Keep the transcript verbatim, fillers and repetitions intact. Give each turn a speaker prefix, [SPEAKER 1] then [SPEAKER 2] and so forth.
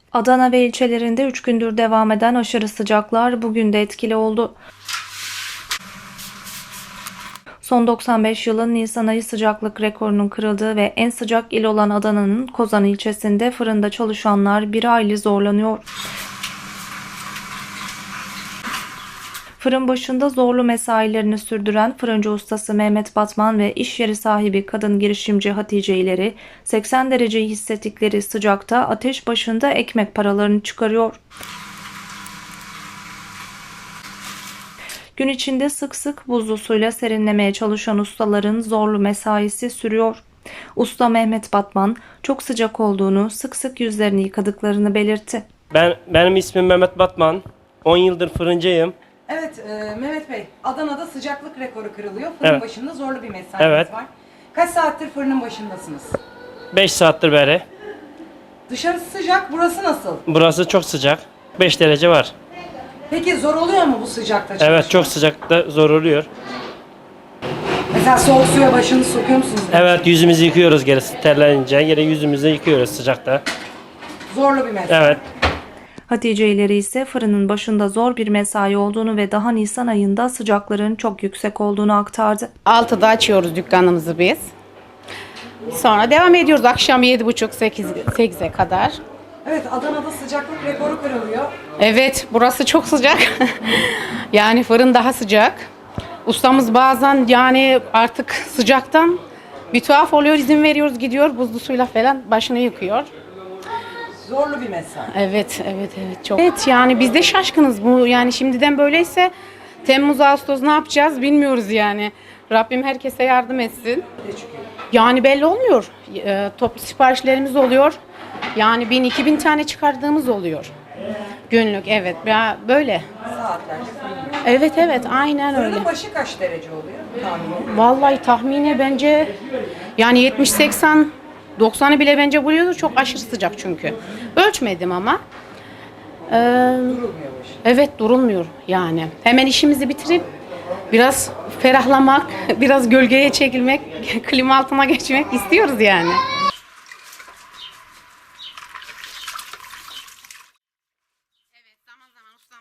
[SPEAKER 1] Adana ve ilçelerinde üç gündür devam eden aşırı sıcaklar bugün de etkili oldu. Son doksan beş yılın Nisan ayı sıcaklık rekorunun kırıldığı ve en sıcak il olan Adana'nın Kozan ilçesinde fırında çalışanlar bir hayli zorlanıyor. Fırın başında zorlu mesailerini sürdüren fırıncı ustası Mehmet Batman ve iş yeri sahibi kadın girişimci Hatice İleri seksen dereceyi hissettikleri sıcakta ateş başında ekmek paralarını çıkarıyor. Gün içinde sık sık buzlu suyla serinlemeye çalışan ustaların zorlu mesaisi sürüyor. Usta Mehmet Batman çok sıcak olduğunu, sık sık yüzlerini yıkadıklarını belirtti.
[SPEAKER 2] Ben benim ismim Mehmet Batman. on yıldır fırıncıyım.
[SPEAKER 3] Evet e, Mehmet Bey, Adana'da sıcaklık rekoru kırılıyor. Fırın
[SPEAKER 2] Evet.
[SPEAKER 3] başında zorlu bir mesainiz
[SPEAKER 2] Evet.
[SPEAKER 3] var. Kaç saattir fırının başındasınız?
[SPEAKER 2] beş saattir beri.
[SPEAKER 3] Dışarısı sıcak, burası nasıl?
[SPEAKER 2] Burası çok sıcak. beş derece var.
[SPEAKER 3] Peki zor oluyor mu bu sıcakta çalışmak?
[SPEAKER 2] Evet, çok sıcakta zor oluyor.
[SPEAKER 3] Mesela soğuk suya başını sokuyor musunuz?
[SPEAKER 2] Evet, yüzümüzü yıkıyoruz gerisi terlenince. Geri yüzümüzü yıkıyoruz sıcakta.
[SPEAKER 3] Zorlu bir mesai.
[SPEAKER 2] Evet.
[SPEAKER 1] Hatice İleri ise fırının başında zor bir mesai olduğunu ve daha Nisan ayında sıcakların çok yüksek olduğunu aktardı.
[SPEAKER 4] altıda açıyoruz dükkanımızı biz. Sonra devam ediyoruz akşam yedi buçuk sekize kadar.
[SPEAKER 3] Evet, Adana'da sıcaklık rekoru kırılıyor.
[SPEAKER 4] Evet, burası çok sıcak. Yani fırın daha sıcak. Ustamız bazen yani artık sıcaktan bir tuhaf oluyor, izin veriyoruz, gidiyor buzlu suyla falan başını yıkıyor.
[SPEAKER 3] Zorlu bir mesai.
[SPEAKER 4] Evet, evet, evet çok. Evet yani biz de şaşkınız bu yani şimdiden böyleyse Temmuz, Ağustos ne yapacağız bilmiyoruz yani. Rabbim herkese yardım etsin. Yani belli olmuyor. E, toplu siparişlerimiz oluyor. Yani bin iki bin tane çıkardığımız oluyor. Günlük evet ya böyle.
[SPEAKER 3] Saatlerce fırın.
[SPEAKER 4] Evet evet aynen öyle.
[SPEAKER 3] Fırının başı kaç derece oluyor tahmini?
[SPEAKER 4] Vallahi tahmini bence yani yetmiş seksen doksanı bile bence buluyordur. Çok aşırı sıcak çünkü. Ölçmedim ama. Ee,
[SPEAKER 3] Durulmuyor başı.
[SPEAKER 4] evet durulmuyor yani. Hemen işimizi bitirip biraz ferahlamak, biraz gölgeye çekilmek, klima altına geçmek istiyoruz yani.